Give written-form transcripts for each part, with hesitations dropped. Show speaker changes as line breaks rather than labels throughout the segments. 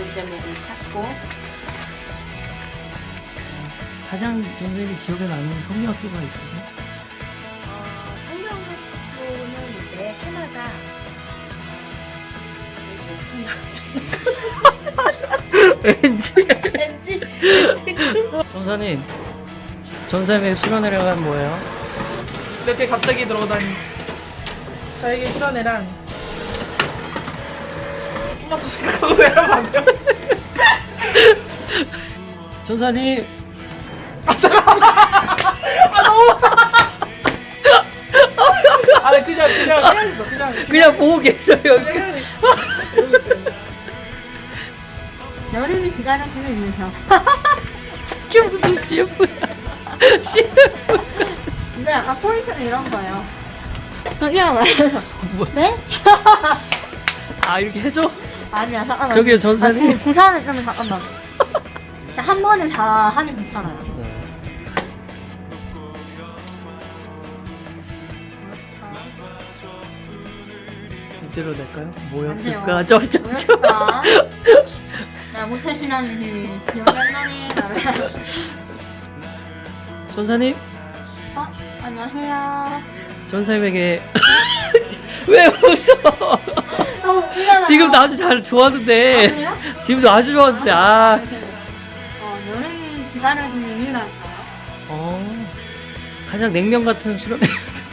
문제목을 찾고.
가장 선생님이 기억에 남는 성경학교가 있으세요?
성경학교는 매 해마다
왠지
왠지
전사님, 전사님의 수련회란 뭐예요?
이렇게 갑자기 들어오다니. 저에게 실현해란 토마토 생각하고 내려봤어요.
전사님,
아, 네, 그냥 해야겠어.
그냥 보고 계셔요.
그냥 해야겠어. 이러고 있어요.
여름이 기다려주는 인상.
이게 무슨 CF야?
근데 약간 포인트는 이런 거예요. 그냥 말해서
뭐?
네?
아, 이렇게 해줘?
아니야 잠깐만.
저기요, 전사님.
그 사람을 좀 잠깐만. 한 번에 다 하니 괜찮아요.
이대로 될까요? 뭐였을까?
뭐였을까?
점점점.
나 못하시나니 기억이 안 나네.
전사님,
안녕하세요.
전사님에게 왜 웃어? 지금도 아주 잘 좋았는데.
그래요?
지금도 아주 좋았는데. 아.
여름이 기다려주는 이유랄까요?
가장 냉면 같은 수련회.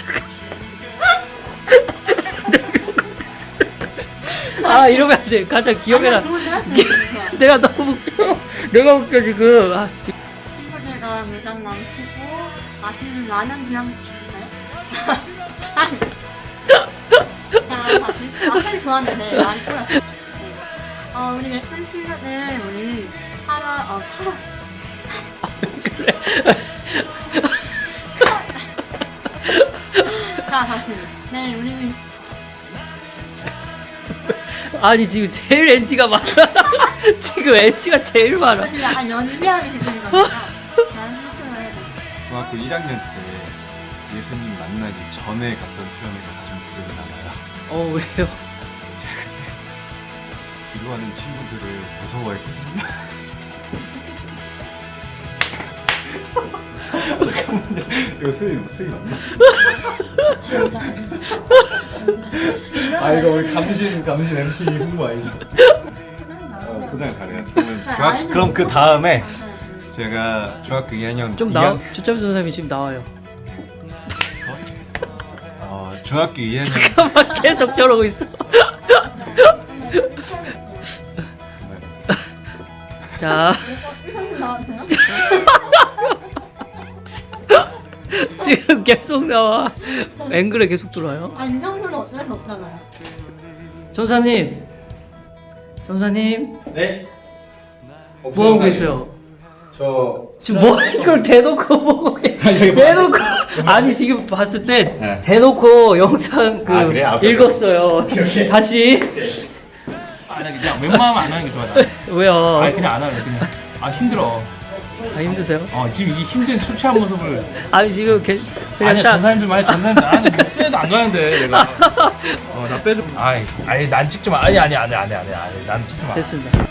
아, 이러면 안 돼. 가장 기억에 나. 내가 너무 웃겨. 내가 웃겨 지금. 아, 지금.
친구들과 물장난 치고 맛있는 라면이랑 네? 앞에 좋았는데 말이 꼬였어. 우리 예쁜 친구들 우리 8월 8월 자 다시 네 우리
아니 지금 제일 NG가 많아. 지금 NG가 제일 많아.
사실 약간 연기하게 되는 거니까 난 실수를 해야 돼.
중학교 1학년 때 예수님 만나기 전에 갔던 수련회가 가장 기억에 남아요.
왜요?
뒤로 하는 친구들을 무서워했거든요. 잠깐만요. 이거 수익 맞나? 아 이거 우리 감신 MT 홍보 아니죠? 포장 잘해요. 그럼 그 다음에 제가 중학교 2학년
좀 나와. 주점 선생님이 지금 나와요.
중학교 2학년
잠깐만 계속 저러고 있어. 자. 지금 계속 나와. 앵글에 계속 들어와요.
이 정도는 어쩔 수 없잖아요.
전사님.
네?
뭐 하고 계세요?
저
지금 뭐 이걸 대놓고 보고 계세요? 대놓고 아니 지금 봤을 때
네.
대놓고 영상
아, 그래요? 아,
읽었어요. 다시.
나 그냥 웬만하면 안 하는 게 좋아. 나.
왜요?
아니 그냥 안 할래 그냥. 힘들어.
힘드세요?
지금 이 힘든 초췌한 모습을.
아니 지금 그냥
아니
딱
전사님들 많이 전사님들 나는 후회도 안 가는데 내가. 나 빼줘. 아니 난 찍지 마. 아니 난 찍지 마.
됐습니다.